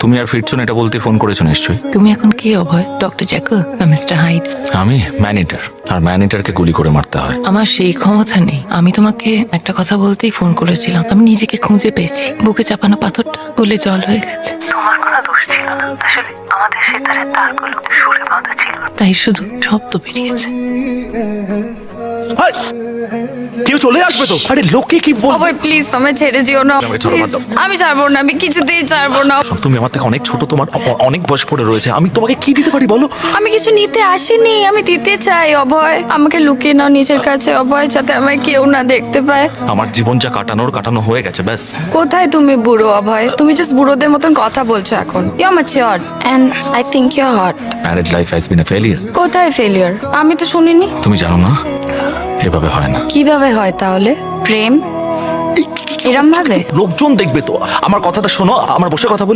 তুমি আর ফিরছো না এটা বলতে ফোন করেছো নিশ্চয়ই। তুমি এখন কে অভয়? ডক্টর জ্যাকব না মিস্টার হাইড? আমি ম্যানেজার, আর ম্যানেজারকে গুলি করে মারতে হয়। আমার সেই ক্ষমতা নেই। আমি তোমাকে একটা কথা বলতেই ফোন করেছিলাম। আমি নিজেকে খুঁজে পেয়েছি। বুকে চাপানো পাথরটা গলে জল হয়ে গেছে। তোমার কোনো দোষ ছিল না, আসলে আমাদের সেতারের তারগুলো সুরে বাঁধা ছিল। তাই শুধু শব্দ বেরিয়েছে। কেউ চলে আসবে তো। আরে লোকে কি বলবে? অভয় প্লিজ আমায় ছেড়ে যেও না আমাকে ছাড়ো, বাদ প্লিজ। দাও। আমি ছাড়বো না, আমি কিছুতেই ছাড়বো না। সব তুমি আমার থেকে অনেক ছোট, তোমার অনেক বয়স পড়ে রয়েছে। আমি তোমাকে কি দিতে পারি বলো? আমি কিছু নিতে আসিনি, আমি দিতে চাই অভয়। আমাকে লুকিয়ে নাও নিজের কাছে অভয়, যাতে আমায় কেউ না দেখতে পায়। আমার জীবন যা কাটানো হয়ে গেছে ব্যাস। কোথায় তুমি বুড়ো অভয়? তুমি জাস্ট বুড়োদের মতন কথা বলছো এখন। You are mature and I think you are hot. Married life has been a failure. কোথায় ফেলিয়ার? আমি তো শুনিনি। তুমি জানো না এভাবে হয় না। কিভাবে হয় তাহলে? প্রেম এরম ভাবে? লোকজন দেখবে তো। আমার কথাটা শোনো, আমার বসে কথা বলি।